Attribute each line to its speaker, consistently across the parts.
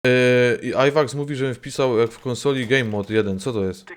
Speaker 1: I Ivax mówi, żebym wpisał jak w konsoli Game Mode 1. Co to jest?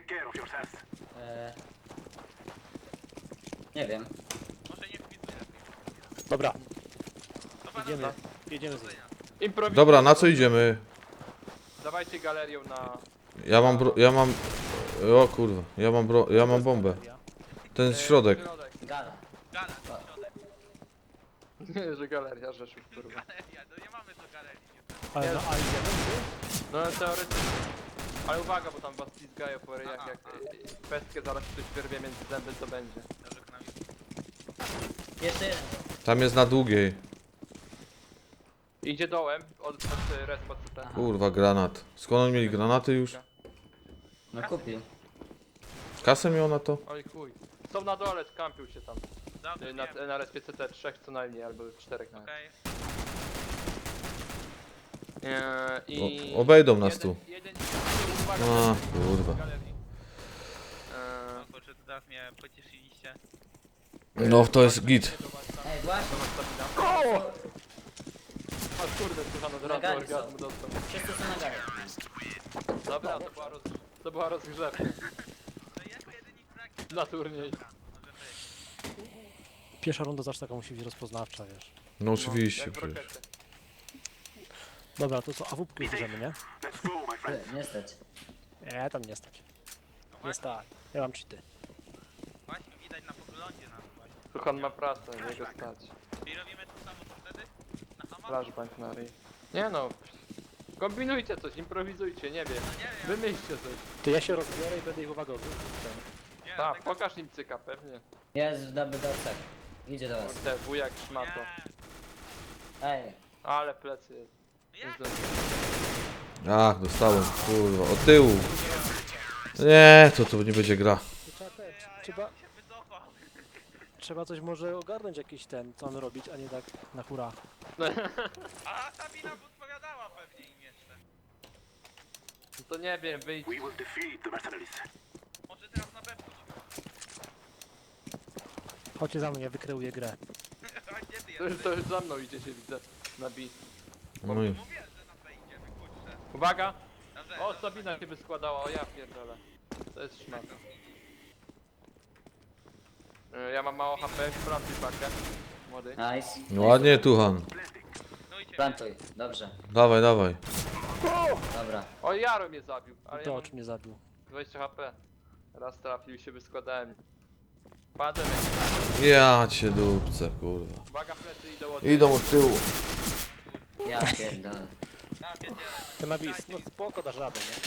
Speaker 2: Nie wiem.
Speaker 3: Może nie wpisuję.
Speaker 4: Dobra,
Speaker 3: Dobra,
Speaker 4: jedziemy.
Speaker 3: dobra.
Speaker 4: Jedziemy z nim.
Speaker 5: Improwizujemy.
Speaker 1: Dobra, na co idziemy?
Speaker 5: Dawajcie galerią na...
Speaker 1: Ja mam... O kurwa, ja mam bombę. Ten środek.
Speaker 2: Gala.
Speaker 3: Gala, środek.
Speaker 5: Nie, że galeria Rzeszów, kurwa.
Speaker 3: Galeria, no nie mamy do galerii.
Speaker 4: Ale na A idziemy?
Speaker 5: No teoretycznie. Ale uwaga, bo tam was pizgają po ryjach, jak pestkę zaraz ktoś wyrwie między zęby, to będzie.
Speaker 3: Dobrze, Knami.
Speaker 2: Jeszcze jeden.
Speaker 1: Tam jest na długiej.
Speaker 5: Idzie dołem, od respa CT.
Speaker 1: Kurwa, granat. Skąd oni mieli granaty już?
Speaker 2: No kupił.
Speaker 1: Kasę miał na to?
Speaker 5: Oj chuj. Są na dole, kampił się tam.
Speaker 3: Dobrze,
Speaker 5: Na respie CT 3 co najmniej, albo 4 nawet.
Speaker 3: okej.
Speaker 5: I...
Speaker 1: Obejdą nas tu.
Speaker 5: Jeden, uwaga,
Speaker 1: A, kurwa.
Speaker 5: galerii.
Speaker 3: No kurczę, teraz mnie pocieszyliście.
Speaker 1: No, to jest git.
Speaker 2: Ej, właśnie.
Speaker 5: A kurde, słuchano, od razu
Speaker 2: Nagali
Speaker 5: orgazmu
Speaker 2: są.
Speaker 5: dostał.
Speaker 2: Wszyscy są na gale.
Speaker 5: Dobra, to była rozgrzewka
Speaker 3: No jako jedynik brak.
Speaker 5: na turniej.
Speaker 3: Może być.
Speaker 4: Pierwsza runda zawsze taka musi być rozpoznawcza, wiesz.
Speaker 1: No oczywiście
Speaker 5: Jak w
Speaker 1: przecież.
Speaker 5: rokecie.
Speaker 4: Dobra, to co, AWP bierzemy, nie?
Speaker 2: Nie stać.
Speaker 4: Nie, tam nie stać. Nie stać. Ja mam cheaty.
Speaker 3: Właśnie widać na poglądzie nas właśnie.
Speaker 5: Tuchan ma pracę, jego stać.
Speaker 3: Czyli robimy to samo co wtedy? Na Hama?
Speaker 5: Flashbang na ryj. Nie no. Kombinujcie coś, improwizujcie, nie wiem.
Speaker 3: Nie wiem.
Speaker 5: Wymyślcie coś.
Speaker 4: To ja się rozbiorę i będę ich uwagę odwrócił.
Speaker 3: Nie,
Speaker 5: Tak,
Speaker 3: dlatego-
Speaker 5: pokaż im cyka, pewnie.
Speaker 2: Jest w double dorsach. Idzie do was.
Speaker 5: Kurde, wujak szmato.
Speaker 3: Nie.
Speaker 2: Ej.
Speaker 5: Ale plecy jest.
Speaker 3: Jak?
Speaker 1: Ach, dostałem, kurwa, od tyłu. Nie, to nie będzie gra.
Speaker 4: Trzeba,
Speaker 3: Się wycofał.
Speaker 4: trzeba coś może ogarnąć jakiś ten, co on robić, a nie tak na hura.
Speaker 3: A Sabina podpowiadała pewnie im jeszcze.
Speaker 5: No to nie wiem, wyjdź.
Speaker 3: Może teraz na B pójdźmy.
Speaker 4: Chodźcie za mną, ja wykreuję grę.
Speaker 3: A gdzie ty
Speaker 5: To już,
Speaker 3: jesteś?
Speaker 5: to już za mną idzie się widzę. Na B.
Speaker 1: No i
Speaker 3: Mówię, że na B idziemy, kurczę.
Speaker 5: Uwaga!
Speaker 3: Dobrze,
Speaker 5: O,
Speaker 3: dobrze.
Speaker 5: Sabina się wyskładała, o ja pierdolę. To jest szmato. Ja mam mało HP, sprawdź pakę. Młody.
Speaker 2: Nice.
Speaker 1: no ładnie, Tuchan.
Speaker 3: No i ciebie.
Speaker 2: Plantuj. Dobrze.
Speaker 1: Dawaj, dawaj.
Speaker 2: Dobra.
Speaker 5: O, Jaro mnie zabił, ale ja
Speaker 4: To
Speaker 5: mam
Speaker 4: ocz mnie zabił.
Speaker 5: 20 HP. Raz trafił i się wyskładałem. Padłem.
Speaker 1: Ja cię dupce, kurwa.
Speaker 5: Uwaga, plecy idą od...
Speaker 1: Idą od tyłu.
Speaker 2: Ja pierdolę.
Speaker 3: A, wiecie,
Speaker 4: Ty na bis, no spoko, dasz radę, nie?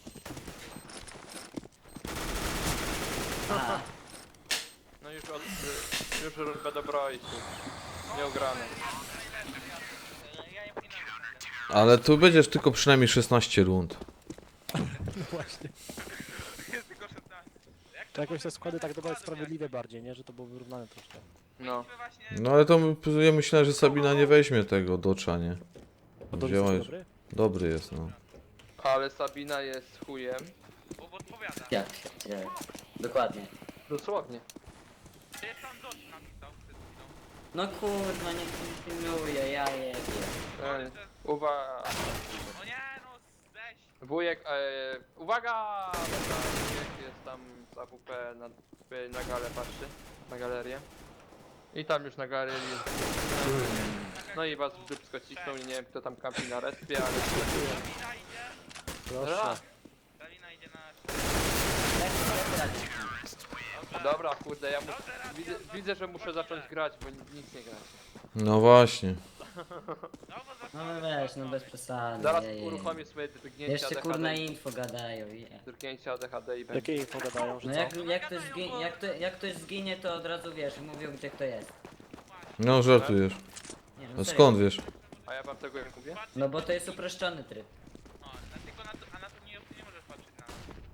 Speaker 2: Aha.
Speaker 5: No już rundę dobroi się. Nieugrane.
Speaker 3: ja im finalnie.
Speaker 1: Ale tu będziesz tylko przynajmniej 16 rund.
Speaker 4: No właśnie.
Speaker 3: Jest tylko 16. Jak
Speaker 4: To jakoś te składy tak dobre sprawiedliwe bardziej, nie? Że to było wyrównane troszkę.
Speaker 5: No.
Speaker 3: my właśnie...
Speaker 1: No ale to ja myślałem, że Sabina nie weźmie tego docza, nie?
Speaker 4: Podobnie
Speaker 1: Wzięła
Speaker 4: jest
Speaker 1: już.
Speaker 4: dobry?
Speaker 1: Dobry jest, no.
Speaker 5: Ale Sabina jest chujem.
Speaker 3: Bo odpowiada.
Speaker 2: Ja pierdzielę. Dokładnie.
Speaker 5: Dosłownie.
Speaker 3: Gdzie jest tam Dosz napisał przed chwilą?
Speaker 2: No kurwa, nie pilnuję, ja jebie.
Speaker 5: Uwaga.
Speaker 3: O nie, no weź.
Speaker 5: Wujek, uwaga! Dobra, wujek jest tam z AWP na galę patrzy. Na galerię. I tam już na galerii. No i was w dupsko cisnął i nie wiem kto tam kampi na respie, ale...
Speaker 3: Sabina idzie.
Speaker 4: Proszę.
Speaker 3: Sabina idzie na...
Speaker 2: Jak sobie radzić?
Speaker 5: Dobra, kurde, ja widzę, że muszę zacząć grać, bo nic nie grać.
Speaker 1: No właśnie.
Speaker 2: No weź, no bez przesady.
Speaker 5: Zaraz
Speaker 2: je, je, je.
Speaker 5: uruchomię swoje drgnięcia
Speaker 2: Jeszcze kurna
Speaker 5: ADHD.
Speaker 2: info gadają, je.
Speaker 5: Drgnięcia ADHD i będzie.
Speaker 4: Jakie info gadają, że
Speaker 2: No
Speaker 4: co?
Speaker 2: jak ktoś zginie, to od razu wiesz, mówią gdzie kto jest.
Speaker 1: No żartujesz.
Speaker 2: Nie,
Speaker 1: A
Speaker 2: no serio.
Speaker 1: skąd wiesz?
Speaker 5: A ja wam tego jak mówię?
Speaker 2: No bo to jest uproszczony tryb.
Speaker 3: O, tylko na to, a na to nie możesz patrzeć na...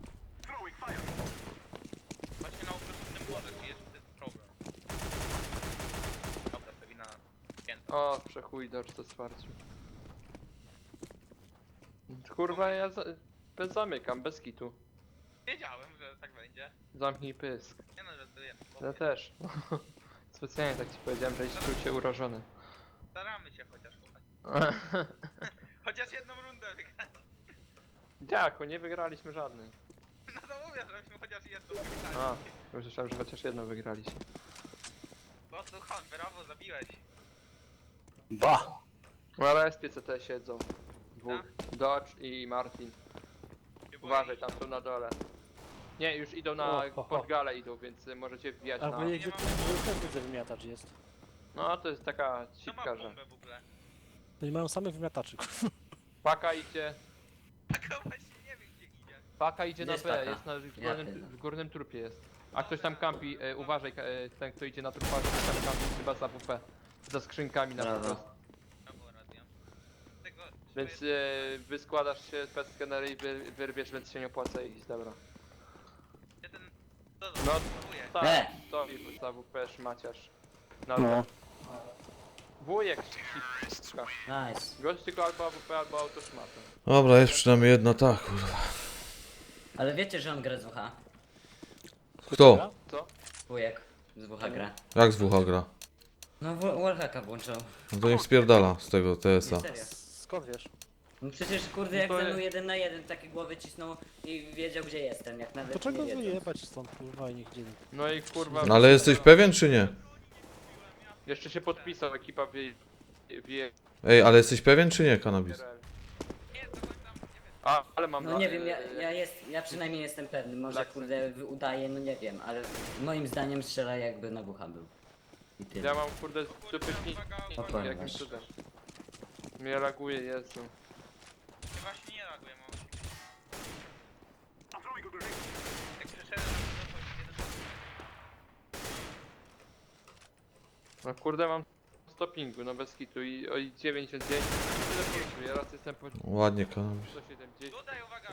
Speaker 3: Właśnie na uproszczonym możesz i jest ten problem. Dobra, Sabina... Pięta.
Speaker 5: O, przechuj docz to wsparciu. Kurwa, bez zamykam, bez kitu.
Speaker 3: Wiedziałem, że tak będzie.
Speaker 5: Zamknij pysk.
Speaker 3: Nie no, że to jest.
Speaker 5: Ja też. Specjalnie tak ci powiedziałem, żebyś czuł się urażony.
Speaker 3: Staramy się chociaż, chłopaki. Chociaż jedną rundę wygrać.
Speaker 5: Jak, nie wygraliśmy żadnej.
Speaker 3: No to mówię, żebyśmy chociaż jedną wygrali.
Speaker 5: A, już myślałem, że chociaż jedną wygraliśmy.
Speaker 3: No to Hon, brawo, zabiłeś.
Speaker 4: Ba!
Speaker 5: Na respie CT siedzą. Dwóch. Dodge i Martin.
Speaker 3: Nie boi.
Speaker 5: Uważaj, tam są na dole. Nie, już idą na pod galę idą, więc możecie wbijać
Speaker 4: Albo
Speaker 5: na...
Speaker 4: niech też widzę wymiatacz jest.
Speaker 5: No to jest taka
Speaker 3: To ma
Speaker 5: cipka, że...
Speaker 3: bombę w ogóle.
Speaker 4: Oni mają same wymiataczy.
Speaker 5: Paka idzie...
Speaker 3: Taka właśnie nie wiem gdzie idzie.
Speaker 5: Paka idzie na
Speaker 2: Jest
Speaker 5: B,
Speaker 2: paka.
Speaker 5: jest na
Speaker 2: Ja pierdolę.
Speaker 5: w górnym trupie jest. A ktoś tam kampi, uważaj, ten kto idzie na trupa, ktoś tam kampi chyba za WP. Za skrzynkami na
Speaker 2: Brawo.
Speaker 5: prostu.
Speaker 3: Brawo, radia. Tego...
Speaker 5: Więc wyskładasz się bez skenery i wyrwiesz, więc się nie opłaca iść, dobra.
Speaker 3: Jeden... No,
Speaker 5: No,
Speaker 3: próbuję.
Speaker 5: tak, to i za WP szmaciarz. No. Wujek cipka.
Speaker 2: Nice.
Speaker 5: Gość tylko albo AWP, albo autoszmatą.
Speaker 1: Dobra, jest przynajmniej jedna, tak, kurwa.
Speaker 2: Ale wiecie, że on gra z WH?
Speaker 1: Kto?
Speaker 5: Co?
Speaker 2: Wujek z WH gra.
Speaker 1: Jak z WH gra?
Speaker 2: No Wallhacka włączał.
Speaker 1: No to niech spierdala z tego TS-a.
Speaker 2: Serio.
Speaker 4: Skąd wiesz?
Speaker 2: No przecież kurde jak
Speaker 5: No to
Speaker 2: ze mną
Speaker 5: jest-
Speaker 2: 1 na 1 takie głowy cisnął i wiedział gdzie jestem, jak nawet
Speaker 4: To czego
Speaker 2: nie wiedząc.
Speaker 4: wyjebać stąd kurwa i nigdzie nie.
Speaker 5: No i kurwa...
Speaker 1: No ale jesteś pewien czy nie?
Speaker 5: Jeszcze się podpisał, ekipa wie...
Speaker 1: Ej, ale jesteś pewien czy nie, Cannabis?
Speaker 3: Nie, to tam, nie wiem.
Speaker 5: A, ale mam...
Speaker 2: No nie wiem, ja przynajmniej jestem pewny, może
Speaker 5: Laksy.
Speaker 2: kurde udaje, no nie wiem, ale moim zdaniem strzela jakby na WH był. I tyle.
Speaker 5: Ja mam kurde dupytki
Speaker 2: Uwaga.
Speaker 5: jakimś cudem. Mnie laguje, Jezu.
Speaker 3: Ja właśnie nie reaguję, mam siebie. Jak przeszedłem na to, to
Speaker 5: No kurde mam stopingu, no bez kitu i o 99. Tyle punktu, ja raz jestem po
Speaker 1: Ładnie, Cannabis.
Speaker 5: 170.
Speaker 3: Tutaj uwaga,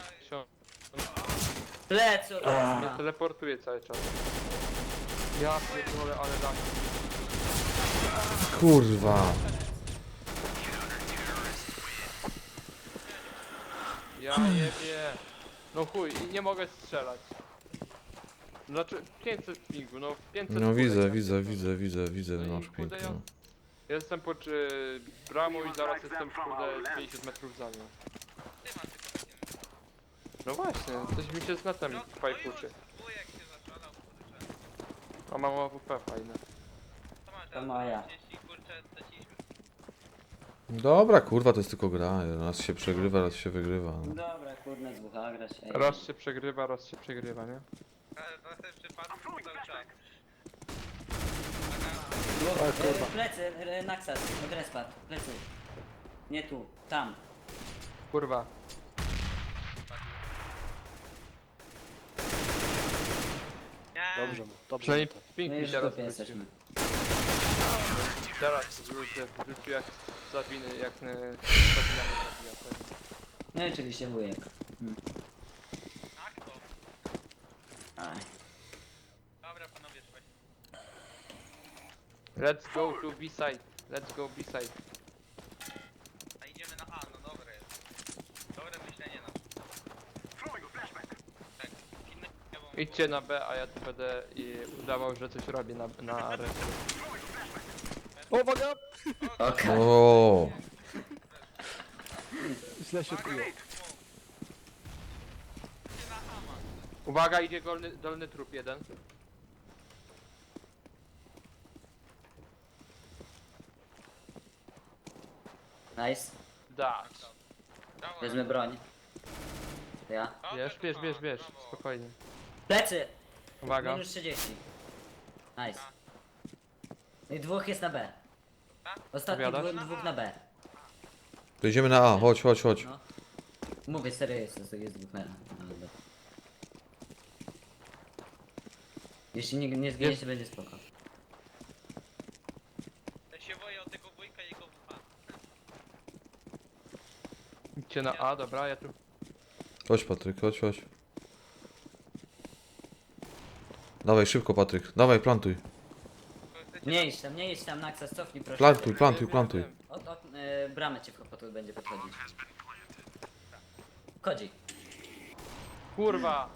Speaker 2: Plecy od
Speaker 5: Mnie
Speaker 2: razu.
Speaker 5: teleportuje cały czas. Ja pierdolę, ale lag.
Speaker 1: Kurwa.
Speaker 5: Ja nie wiem. No chuj, i nie mogę strzelać. Znaczy 500 pingu, no 500
Speaker 1: No
Speaker 5: kulek,
Speaker 1: widzę,
Speaker 5: ja
Speaker 1: widzę,
Speaker 5: pierdolę.
Speaker 1: widzę,
Speaker 5: No i
Speaker 1: masz
Speaker 5: kurde,
Speaker 1: pięknie. No.
Speaker 5: Jestem pod bramą i zaraz jestem kurde 50 metrów za nią.
Speaker 3: ty masz tylko takie...
Speaker 5: No właśnie, coś mi się z netem
Speaker 3: No
Speaker 5: fajkuczy.
Speaker 3: wujek się zaszalał, kurczę.
Speaker 5: A mam AWP fajne.
Speaker 3: To masz,
Speaker 2: To moja.
Speaker 3: 30, kurczę, straciliśmy.
Speaker 1: Dobra, kurwa, to jest tylko gra. Raz się przegrywa, raz się wygrywa. No.
Speaker 2: Dobra, kurde z WH grać. ej.
Speaker 5: Raz się przegrywa, raz się przegrywa, nie?
Speaker 3: Ale to ten przypadek cały czas.
Speaker 2: Plecy, Naxas, od respat, plecy. Nie tu, tam.
Speaker 5: Kurwa.
Speaker 3: Nie,
Speaker 4: Dobrze mu, dobrze mu
Speaker 5: Przynajmniej
Speaker 4: to.
Speaker 5: ping
Speaker 2: My
Speaker 5: mi
Speaker 2: już
Speaker 5: teraz
Speaker 2: tutaj
Speaker 5: wrócił.
Speaker 2: jesteśmy.
Speaker 5: Teraz wrócił jak Sabiny, jak Sabina mnie zabija. Tak.
Speaker 2: No i oczywiście wujek.
Speaker 3: tak to.
Speaker 2: Aj.
Speaker 3: Dobra panowie, trzeba się...
Speaker 5: Let's go to B-side. Let's go B-side.
Speaker 3: A idziemy na A, no dobre jest. Dobre myślenie na tak, inne bo...
Speaker 5: Idźcie na B, a ja tu będę i udawał, że coś robię na resztę.
Speaker 4: Uwaga!
Speaker 2: Okej.
Speaker 1: O,
Speaker 4: Źle się czuję.
Speaker 5: Uwaga, idzie dolny trup jeden.
Speaker 2: Nice.
Speaker 5: Dasz.
Speaker 3: Brawo,
Speaker 2: Wezmę broń. Ja.
Speaker 5: Bierz, spokojnie.
Speaker 2: Plecy!
Speaker 5: Uwaga.
Speaker 2: Minus 30. Nice. No i dwóch jest na B. Ostatni
Speaker 5: Powiadasz?
Speaker 2: dwóch na B.
Speaker 1: to idziemy na A, chodź.
Speaker 2: No. Mówię serio, jest dwóch na B. Jeśli nie zginie
Speaker 5: Jest.
Speaker 2: się, będzie spoko.
Speaker 3: Ja się boję o tego wujka i jego WH.
Speaker 5: Idźcie na A, dobra, ja tu...
Speaker 1: Chodź, Patryk, chodź. Dawaj, szybko, Patryk. Dawaj, plantuj.
Speaker 2: Nie idź tam, Naxas, cofnij proszę.
Speaker 1: Plantuj.
Speaker 2: Od bramę cię potem będzie podchodzić. Kodzi.
Speaker 5: Kurwa!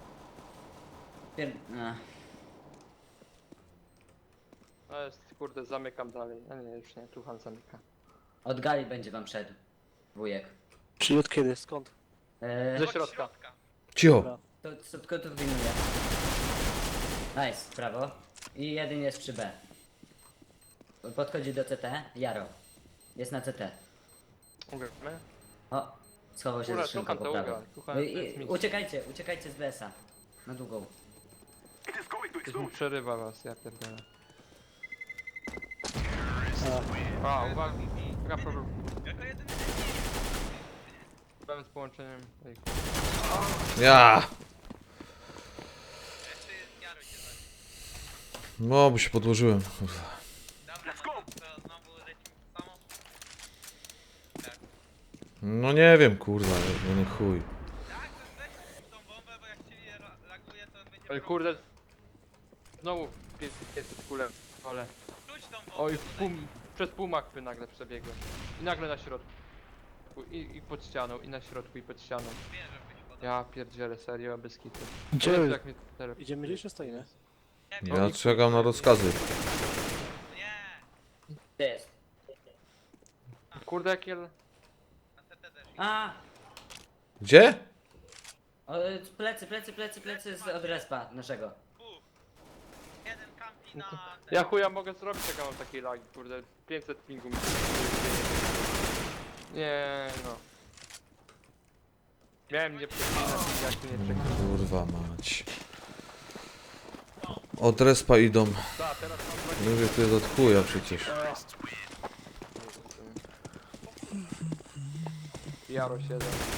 Speaker 5: No jest, kurde, zamykam dalej. A nie, już nie, tu Han zamyka.
Speaker 2: Od gali będzie wam szedł. Wujek.
Speaker 4: Czyli od kiedy? Skąd?
Speaker 5: Ze
Speaker 3: Od
Speaker 5: środka.
Speaker 1: Cicho.
Speaker 4: Dobra.
Speaker 2: To tylko tu wyjmuję. Nice, brawo. I jeden jest przy B. Podchodzi do CT. Jaro. Jest na CT.
Speaker 5: Ugramy.
Speaker 2: O, schował się
Speaker 5: Ura,
Speaker 2: za szynką
Speaker 5: słucham
Speaker 2: po
Speaker 5: to
Speaker 2: prawo.
Speaker 5: ugra. Słucham, to jest mi.
Speaker 2: Uciekajcie z BS-a. Na długą.
Speaker 5: Ktoś mi przerywa was, ja pierdolę.
Speaker 4: A,
Speaker 5: A, uwaga. Uwaga, problem.
Speaker 3: Jako jedyny
Speaker 5: Problem z połączeniem. Ej,
Speaker 1: Ja!
Speaker 3: jeszcze jest Jaro się zaś.
Speaker 1: No, bo się podłożyłem. Kurwa.
Speaker 3: Dobra, no to znowu lecimy to samo. Tak.
Speaker 1: No nie wiem, kurwa, no chuj.
Speaker 3: Tak, to weź tą bombę, bo jak cię laguje, to będzie
Speaker 5: Ej,
Speaker 3: problem.
Speaker 5: kurde. Znowu 500 kulem, ale...
Speaker 3: Rzuć tą bombę.
Speaker 5: Oj,
Speaker 3: tutaj.
Speaker 5: przez pół mapy nagle przebiegłem. I nagle na środku. I pod ścianą, i na środku, i pod ścianą.
Speaker 3: Wiem, żebyś podał.
Speaker 5: Ja pierdzielę, serio, bez kitu.
Speaker 4: Gdzie?
Speaker 5: Jezu, jak mnie tele-
Speaker 4: Idziemy gdzieś czy stoimy?
Speaker 3: Nie wiem.
Speaker 1: Ja czekam na rozkazy.
Speaker 3: Nie.
Speaker 2: Gdzie jest?
Speaker 5: Kurde, jakie...
Speaker 3: Na CT też.
Speaker 2: A!
Speaker 1: Gdzie?
Speaker 2: O, plecy od respa naszego.
Speaker 3: Dwóch. Jeden kampi na...
Speaker 5: Ja chuja mogę zrobić, jak ja mam takiej lagi, kurde. 500 pingu mi się... Nie, no. Miałem nie przeklinać, jak tu nie przeklinać.
Speaker 1: Kurwa mać. Od respa idą.
Speaker 5: Da, teraz mam 20...
Speaker 1: Mówię, to jest od chuja przecież.
Speaker 5: Jaro 7.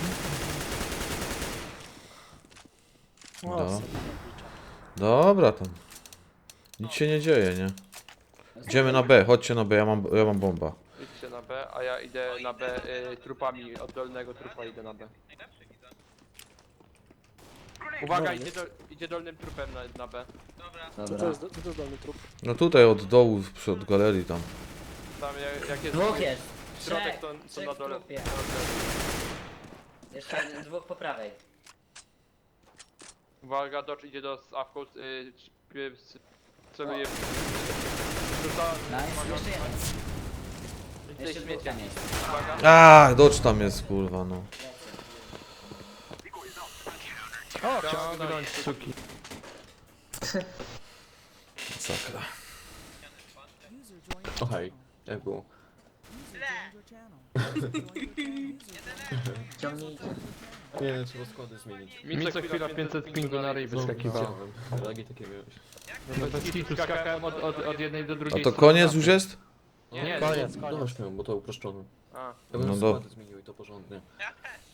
Speaker 4: O,
Speaker 1: No.
Speaker 4: sobie nabliczam.
Speaker 1: Dobra tam. Nic się nie dzieje, nie? Idziemy na B, chodźcie na B, ja mam bomba.
Speaker 5: Idźcie na B, a ja idę na B trupami, od dolnego trupa idę na B.
Speaker 3: Najlepszy widzę.
Speaker 5: Uwaga, idzie dolnym trupem na B.
Speaker 3: Dobra.
Speaker 4: Co to
Speaker 2: Dobra.
Speaker 4: jest, co to jest dolny trup?
Speaker 1: No tutaj od dołu, od galerii tam.
Speaker 5: Tam jak jest
Speaker 2: Dwóch jest.
Speaker 5: środek,
Speaker 2: Trzech.
Speaker 5: to
Speaker 2: Trzech
Speaker 5: na
Speaker 2: w
Speaker 5: dole.
Speaker 2: trupie. Jeszcze jeden, dwóch po prawej.
Speaker 5: Uwaga, Dodge idzie do Awką, celuje... Rzuca...
Speaker 2: Nice, jeszcze jeden.
Speaker 5: Tutaj
Speaker 2: Jeszcze dwóch
Speaker 5: śmiecie.
Speaker 2: tam jest.
Speaker 5: Uwaga.
Speaker 1: A, Dodge tam jest, kurwa, no.
Speaker 5: O, ciągnąć suki.
Speaker 1: Sakra.
Speaker 6: O hej, jak było? Nie, trzeba składy zmienić.
Speaker 5: Mi co chwila 500 pingu na ryj wyskakiwało.
Speaker 6: Widziałem. Lagi takie miałeś.
Speaker 5: No bez kitu skakałem od jednej do
Speaker 1: A
Speaker 5: drugiej.
Speaker 1: to
Speaker 5: strony
Speaker 1: koniec
Speaker 5: mapy.
Speaker 1: już jest?
Speaker 5: Nie,
Speaker 4: Koniec,
Speaker 6: No
Speaker 4: koniec.
Speaker 6: właśnie, bo to uproszczone.
Speaker 5: A,
Speaker 6: Ja bym
Speaker 1: No
Speaker 6: składy zmienił i to porządnie.
Speaker 3: Ja też.